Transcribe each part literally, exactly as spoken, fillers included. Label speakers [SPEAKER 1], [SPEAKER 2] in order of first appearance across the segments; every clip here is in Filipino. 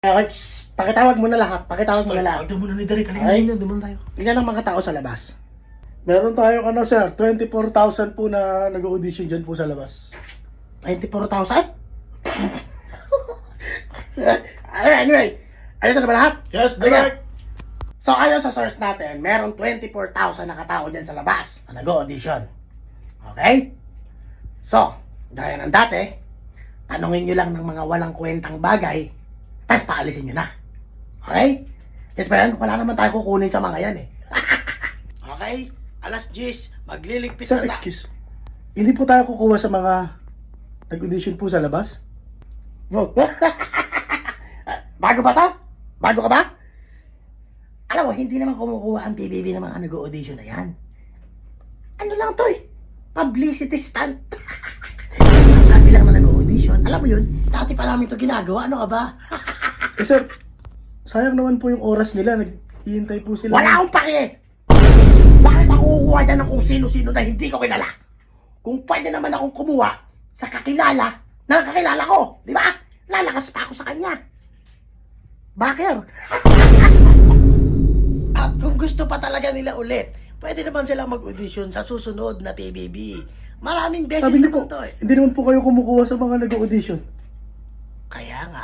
[SPEAKER 1] Okay, shh, pakitawag mo na lahat. Pakitawag mo na lahat.
[SPEAKER 2] Tawag mo na ni Derek.
[SPEAKER 1] Ay.
[SPEAKER 2] Halika na, naman tayo.
[SPEAKER 1] Ilan ang mga tao sa labas?
[SPEAKER 3] Meron tayong ano sir, twenty-four thousand po na nag-audition dyan po sa labas.
[SPEAKER 1] twenty-four thousand? Anyway, ayun na ba lahat?
[SPEAKER 2] Yes,
[SPEAKER 1] Ayan.
[SPEAKER 2] Derek.
[SPEAKER 1] So ayon sa source natin, meron twenty-four thousand na katao dyan sa labas na nag-audition. Okay? So, gaya ng dati, tanungin nyo lang ng mga walang kwentang bagay, tapos paalisin nyo na. Okay? Yes ba yan? Wala naman tayo kukunin sa mga yan eh. Okay? Alas diyes, magliligpit
[SPEAKER 3] Sir,
[SPEAKER 1] na ta-
[SPEAKER 3] excuse. Hindi po tayo kukuha sa mga nag-audition po sa labas?
[SPEAKER 1] Bago ba to? Bago ka ba? Alam mo, hindi naman kumukuha ang P B B ng mga nag-audition na yan. Ano lang to eh? Publicity stunt. Sabi lang na nag-audition. Alam mo yun, dati pa namin to ginagawa. Ano ka ba?
[SPEAKER 3] Eh sir, sayang naman po yung oras nila. Nag-iintay po sila.
[SPEAKER 1] Wala akong pake! Bakit ako kukuha dyan ng kung sino-sino na hindi ko kilala? Kung pwede naman akong kumuha sa kakilala na kakilala ko, di ba? Lalakas pa ako sa kanya. Baker! At kung gusto pa talaga nila ulit, pwede naman silang mag-audition sa susunod na P B B. Maraming beses
[SPEAKER 3] Sabi niyo po,
[SPEAKER 1] naman to eh.
[SPEAKER 3] hindi naman po kayo kumukuha sa mga nag-audition.
[SPEAKER 1] Kaya nga.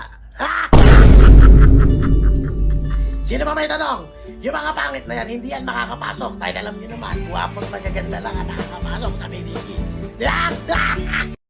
[SPEAKER 1] Sino ba may tanong? Yung mga pangit na yan, hindi yan makakapasok. Dahil alam niyo naman, guwapong magaganda lang ang nakakapasok sa P B B.